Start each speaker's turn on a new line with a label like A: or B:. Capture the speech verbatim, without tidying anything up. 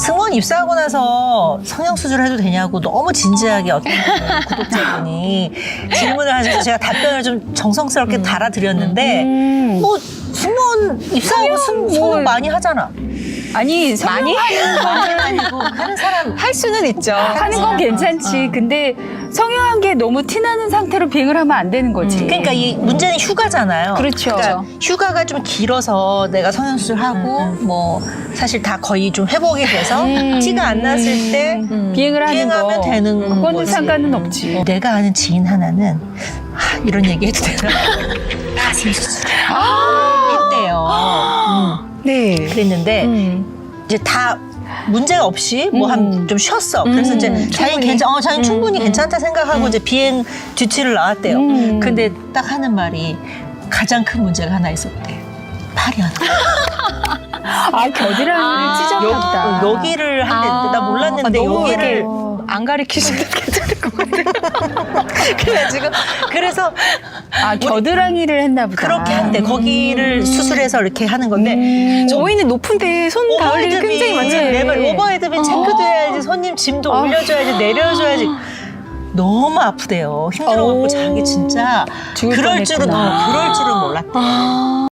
A: 승무원 입사하고 나서 성형수술 해도 되냐고 너무 진지하게 어떤 구독자분이 질문을 하셔서 제가 답변을 좀 정성스럽게 달아드렸는데
B: 음.
A: 뭐 승무원 입사하고 승, 성형 많이 하잖아.
B: 아니 많이
A: 많이 아니고 하는 사람
B: 할 수는 있죠. 하는 건
A: 어,
B: 괜찮지.
A: 어.
B: 근데 성형한 게 너무 티나는 상태로 비행을 하면 안 되는 거지.
A: 그러니까 이 문제는 휴가잖아요.
B: 그렇죠.
A: 그러니까 휴가가 좀 길어서 내가 성형수술하고 뭐 사실 다 거의 좀 회복이 돼서
B: 음.
A: 티가 안 났을 때
B: 비행을 하는
A: 비행하면
B: 거.
A: 되는
B: 그거는
A: 거지.
B: 상관은 없지.
A: 내가 아는 지인 하나는 하, 이런 얘기 해도 되나? 가슴 수술을 했대요. 음.
B: 네.
A: 그랬는데
B: 음.
A: 이제 다 문제가 없이 뭐 한
B: 음.
A: 좀 쉬었어. 그래서
B: 음.
A: 이제 자기
B: 충분히.
A: 괜찮, 어, 자기
B: 음.
A: 충분히
B: 음.
A: 괜찮다 생각하고 이제 비행 뒤치를 나왔대요.
B: 음.
A: 근데 딱 하는 말이 가장 큰 문제가 하나 있었대. 팔이 하나.
B: 아 겨드랑이를
C: 아.
B: 찢었나 보다.
A: 여, 여기를 한대. 나 몰랐는데
C: 아, 너무
A: 여기를
C: 이렇게 안 가르치시는 게 좋을 것 같아요.
A: 그래가지고 그래서
B: 아 겨드랑이를 했나 보다.
A: 그렇게 한대. 거기를 수술해서 이렇게 하는 건데
B: 음.
C: 저희는 높은데 손 닿을 일이
A: 오버헤드빈
C: 굉장히 많죠.
A: 매번 오버헤드빈 체크도 해야지. 손님 짐도
B: 아.
A: 올려줘야지. 내려줘야지. 너무 아프대요. 힘들어갖고
C: 오.
A: 자기 진짜
B: 죽을
A: 그럴 줄은
B: 뻔했구나.
A: 어, 그럴 줄은 몰랐대.
C: 아.